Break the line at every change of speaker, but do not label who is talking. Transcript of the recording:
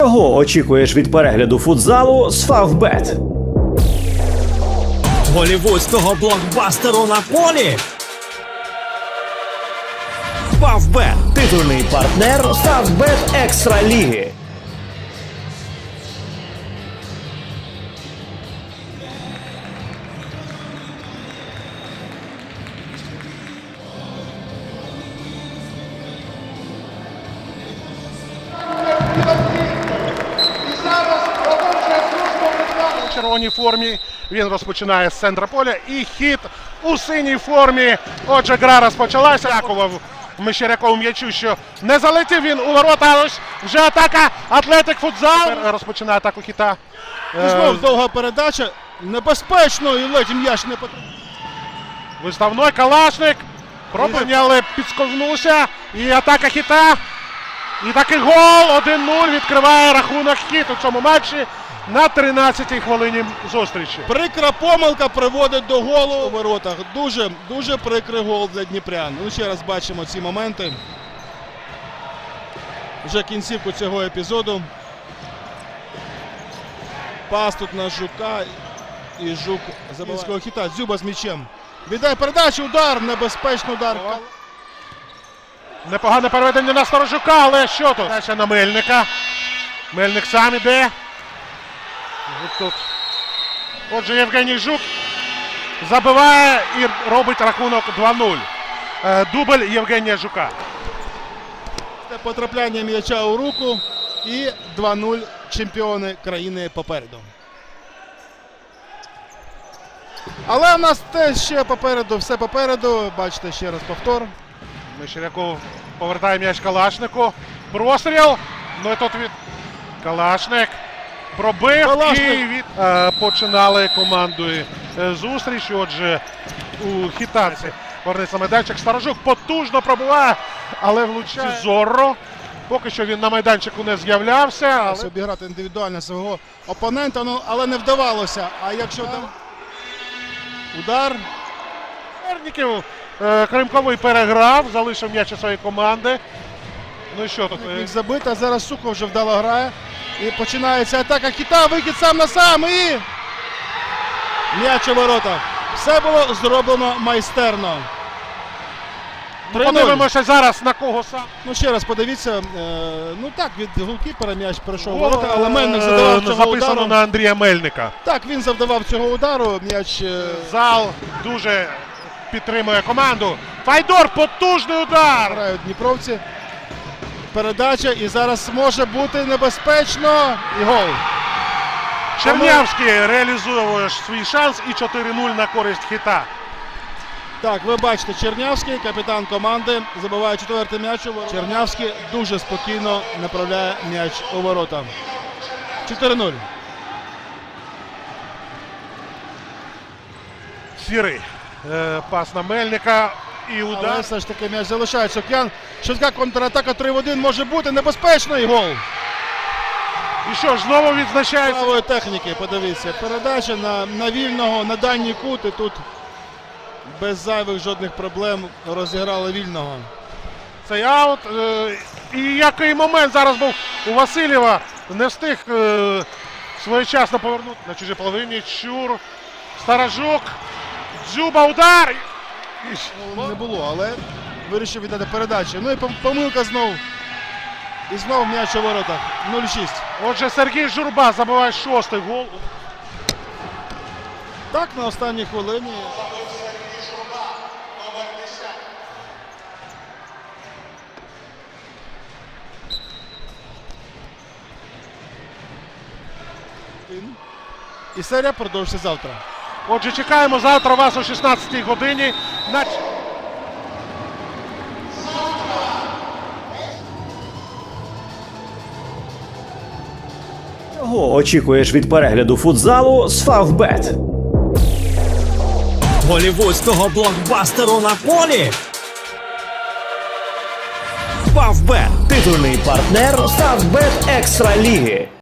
Чого очікуєш від перегляду футзалу з Фавбет?
Голівудського блокбастеру на полі. Фавбет –
Титульний партнер Фавбет Екстра Ліги.
І зараз продовжує службу у червоній формі. Він розпочинає з центра поля. І хід у синій формі. Отже, гра розпочалася. Дякував Мещерякову м'ячу, що не залетів він у ворота. Але вже атака Атлетик Футзал. Розпочинає атаку хіта.
І знову довга передача. Небезпечно, і ледь м'яч не потрапив.
Виставной Калашник. Пробив, але підсковзнувся. І атака хіта. І такий гол. 1-0 відкриває рахунок хіт у цьому матчі на 13-й хвилині зустрічі.
Прикра помилка приводить до голу у воротах. Дуже прикрий гол для дніпрян. Ну, ще раз бачимо ці моменти. Вже кінцівку цього епізоду. Пас тут на Жука. І Жук забиває хіта. Дзюба з м'ячем. Віддає передачу, удар, небезпечний удар.
Непогане переведення на Сторожука, але що тут? Дальше на Мельника. Мельник сам іде. Ось тут. Отже, Євгеній Жук забиває і робить рахунок 2-0. Дубль Євгенія Жука.
Це потрапляння м'яча у руку. І 2-0 чемпіони країни попереду. Але в нас теж ще попереду, все попереду. Бачите, ще раз повтор.
Мещеряков повертає м'яч Калашнику. Простріл. Ну і тут від Калашник пробив.
Калашник.
І від... починали командою зустріч. Отже, у хітаці повернеться майданчик. Сторожук потужно пробиває, але влучає Зорро. Поки що він на майданчику не з'являвся. Але...
Обіграти індивідуально свого опонента, ну, але не вдавалося. А якщо там удар.
Верніків Кримковий переграв, залишив м'яч у своєї команди. Ну і що тут?
Міг забити, а зараз Сухов вже вдало грає. І починається атака хіта, вихід сам на сам і м'яч у воротах. Все було зроблено майстерно.
Подивимося зараз на кого сам.
Ну ще раз подивіться, ну так, від голкіпера м'яч пройшов у ворота, але Мельник завдавав цього
записано
удару.
на Андрія Мельника.
Так, він завдавав цього удару, м'яч...
Зал дуже підтримує команду. Файдор, потужний удар!
Грають дніпровці. Передача і зараз може бути небезпечно. І гол.
Чернявський реалізує свій шанс і 4-0 на користь хіта.
Так, ви бачите, Чернявський, капітан команди, забиває четвертий м'яч у ворота. Чернявський дуже спокійно направляє м'яч у ворота. 4-0.
Сірий. Пас на Мельника і удар.
Але все ж таки м'яч залишається. Океан. Швидка контратака 3-1 може бути небезпечний гол.
І що ж, знову відзначається.
Правої техніки, подивіться. Передача на вільного, на дальній кут. І тут без зайвих жодних проблем розіграли вільного.
Цей аут. І який момент зараз був у Васильєва. Не встиг своєчасно повернути на чужій половині. Чур. Сторожук. Дзюба, удар.
Не було, але вирішив віддати передачу. Ну і помилка знов. І знов м'яч у воротах. 0-6.
Отже, Сергій Журба забиває 6-й гол.
Так, на останній хвилині. І серія продовжиться завтра.
Отже, чекаємо завтра вас о 16-й годині.
Чого очікуєш від перегляду футзалу з Фавбет?
голівудського блокбастеру на полі. Фавбет –
Титульний партнер Фавбет Екстра Ліги.